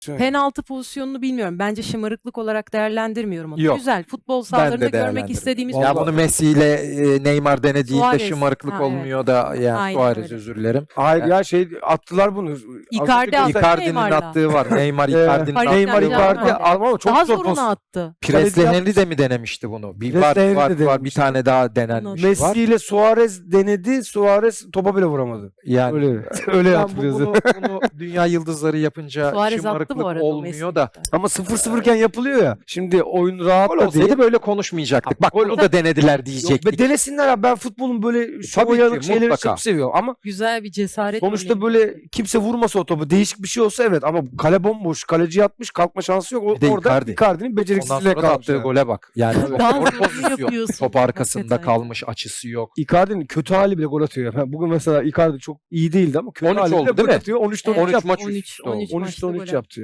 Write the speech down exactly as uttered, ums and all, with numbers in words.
Penaltı pozisyonunu bilmiyorum. Bence şımarıklık olarak değerlendirmiyorum onu. Yok. Güzel. Futbol Ben sahalarında de görmek değerlendirdim. istediğimiz Ya futbol. bunu Messi ile e, Neymar denediğinde Suarez. şımarıklık Ha, evet. olmuyor da yani Aynen Suarez öyle. özür dilerim. Hayır Yani- ya şey attılar bunu. Az Icardi önce attı. göster- Icardi'nin Neymar'la. attığı var. Neymar Ee, Icardi'nin Paris attığı Neymar Saint-Germain var. Icardi öyle. ama çok Daha zor zorunu poz. attı. Presley Kaleci Henry de mi denemişti bunu? Bir var, Presley Henry var, de var bir denemişti. tane daha denenmiş var. Messi ile Suarez denedi. Suarez topa bile vuramadı. Yani Öyle öyle ben bu- yapılıyor. bunu, bunu dünya yıldızları yapınca Suarez attı şımarıklık bu arada. olmuyor da. Ama sıfır sıfırken yapılıyor ya. Şimdi oyun rahat Gol da olsaydı değil. böyle konuşmayacaktık. Bak Gol- bunu da denediler Yok, diyecektik. ve denesinler abi. Ben futbolun böyle şu Tabii ki, uyanık şeyleri mutlaka. çok seviyorum. Ama Güzel bir cesaret sonuçta örneği. böyle kimse vurmasa o topu. Değişik bir şey olsa evet ama kale bomboş. Kaleci yatmış. Kalkma şansı yok. O, Bir de orada Icardi. Icardi'nin Ondan beceriksizliğe sonra da kalmış. attığı yani. gole bak. Yani Daha zor zorunu pozisyon. yapıyorsun. Top arkasında Hakikaten. kalmış, açısı yok. Icardi'nin kötü hali bile gol atıyor. Yani bugün mesela Icardi çok iyi değildi ama kötü on üç hali bile oldu gol değil mi? atıyor. on üçte Evet, on üç on üç yaptı. maç üst on üç, üste oldu. on üç on üçte maçta on gol üç yaptı.